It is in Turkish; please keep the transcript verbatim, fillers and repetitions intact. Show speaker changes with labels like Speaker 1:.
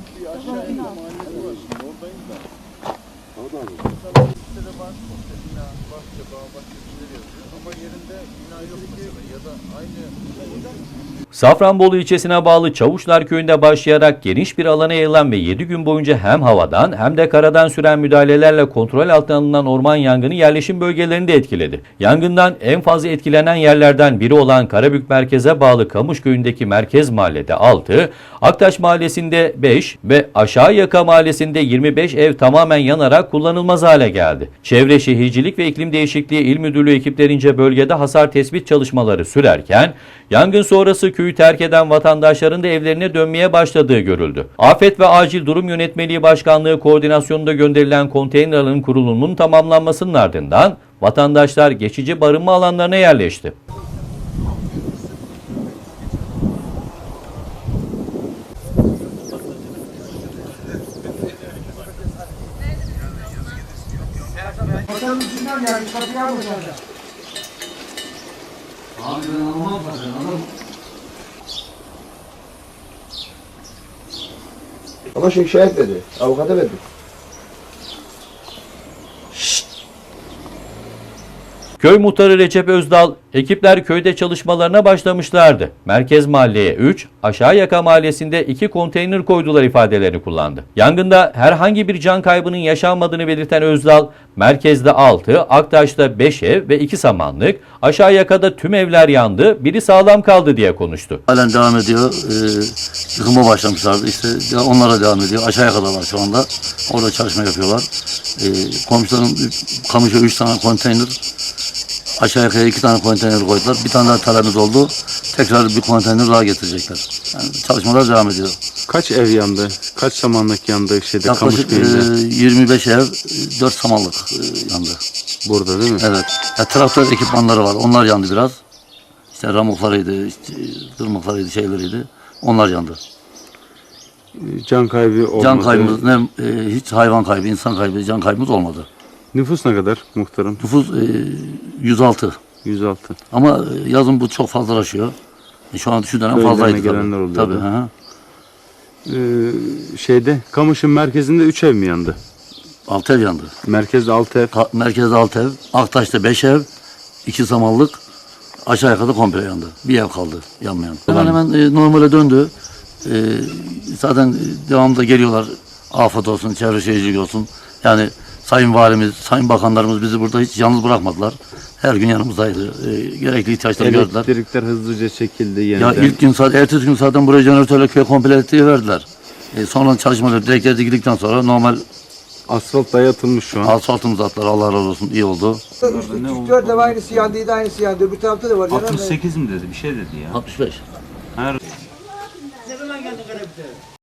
Speaker 1: Bir aşağıya mahallesi var. Oradayım da. Orada mı? Mesela sitede var. Bina, bahçe, bağ, bahçe şeyleri yazıyor. Ama yerinde bina yok mesela. Ya da aynı...
Speaker 2: Safranbolu ilçesine bağlı Çavuşlar Köyü'nde başlayarak geniş bir alana yayılan ve yedi gün boyunca hem havadan hem de karadan süren müdahalelerle kontrol altına alınan orman yangını yerleşim bölgelerini de etkiledi. Yangından en fazla etkilenen yerlerden biri olan Karabük merkeze bağlı Kamış Köyü'ndeki merkez mahallede altı, Aktaş mahallesinde beş ve Aşağıyaka mahallesinde yirmi beş ev tamamen yanarak kullanılmaz hale geldi. Çevre Şehircilik ve İklim Değişikliği İl Müdürlüğü ekiplerince bölgede hasar tespit çalışmaları sürerken, yangın sonrası köyü terk eden vatandaşların da evlerine dönmeye başladığı görüldü. Afet ve Acil Durum Yönetmeliği Başkanlığı koordinasyonunda gönderilen konteynerlerin kurulumunun tamamlanmasının ardından vatandaşlar geçici barınma alanlarına yerleşti.
Speaker 3: Ama şey şikayet verdi, avukata verdi.
Speaker 2: Köy muhtarı Recep Özdal, ekipler köyde çalışmalarına başlamışlardı. Merkez mahalleye üç, Aşağıyaka mahallesinde iki konteyner koydular ifadelerini kullandı. Yangında herhangi bir can kaybının yaşanmadığını belirten Özdal, merkezde altı, Aktaş'ta beş ev ve iki samanlık, Aşağıyaka'da tüm evler yandı, biri sağlam kaldı diye konuştu.
Speaker 4: Halen devam ediyor. Ee, yıkıma başlamışlardı. İşte onlara devam ediyor. Aşağıya kadar var şu anda. Orada çalışma yapıyorlar. Ee, komşuların Kamış'a üç tane konteyner, Aşağıyaka'ya iki tane konteyner koydular. Bir tane daha talebimiz oldu. Tekrar bir konteyner daha getirecekler. Yani çalışmalar devam ediyor.
Speaker 5: Kaç ev yandı? Kaç samanlık yandı şeyde
Speaker 4: Yaklaşık
Speaker 5: Kamış Köyü'nde?
Speaker 4: e, yirmi beş ev, dört samanlık e, yandı.
Speaker 5: Burada değil mi?
Speaker 4: Evet. Ya, traktör ekipmanları var. Onlar yandı biraz. İşte ramuklarıydı, işte, tırmıklarıydı, şeyleriydi. Onlar yandı.
Speaker 5: Can kaybı olmadı.
Speaker 4: Can kaybımız, ne, e, hiç hayvan kaybı, insan kaybı, can kaybımız olmadı.
Speaker 5: Nüfus ne kadar muhtarım?
Speaker 4: Nüfus e, yüz altı.
Speaker 5: yüz altı.
Speaker 4: Ama e, yazın bu çok fazlalaşıyor. E, şu an şu dönem
Speaker 5: Köylerine
Speaker 4: fazlaydı
Speaker 5: gelenler
Speaker 4: tabii.
Speaker 5: oluyordu.
Speaker 4: Tabii. Hı hı.
Speaker 5: Ee, şeyde Kamış'ın merkezinde üç ev mi yandı?
Speaker 4: Altı ev yandı.
Speaker 5: Merkezde altı ev.
Speaker 4: Ka- merkezde altı ev, Aktaş'ta beş ev, iki samanlık, aşağı yukarı komple yandı. Bir ev kaldı yanmayan. Hemen hemen e, normale döndü. E, zaten e, devamında geliyorlar. Afet olsun, çevre şehircilik olsun. Yani Sayın Valimiz, Sayın Bakanlarımız bizi burada hiç yalnız bırakmadılar. Her gün yanımızdaydı. E, gerekli ihtiyaçları gördüler.
Speaker 5: Elektrikler hızlıca çekildi
Speaker 4: Ya
Speaker 5: yeniden.
Speaker 4: ilk gün saat, ertesi gün zaten buraya jeneratörle köy komple elektriği verdiler. E, sonra çalışmalar direkler dikildikten sonra normal
Speaker 5: Asfalt dayatılmış şu an.
Speaker 4: asfaltımızı attılar. Allah razı olsun, iyi oldu.
Speaker 6: üç dört ev aynısı yandıydı, aynısı yandı. Öbür tarafta da var.
Speaker 7: altmış sekiz mi dedi? Bir şey dedi ya.
Speaker 4: altmış beş.
Speaker 7: Her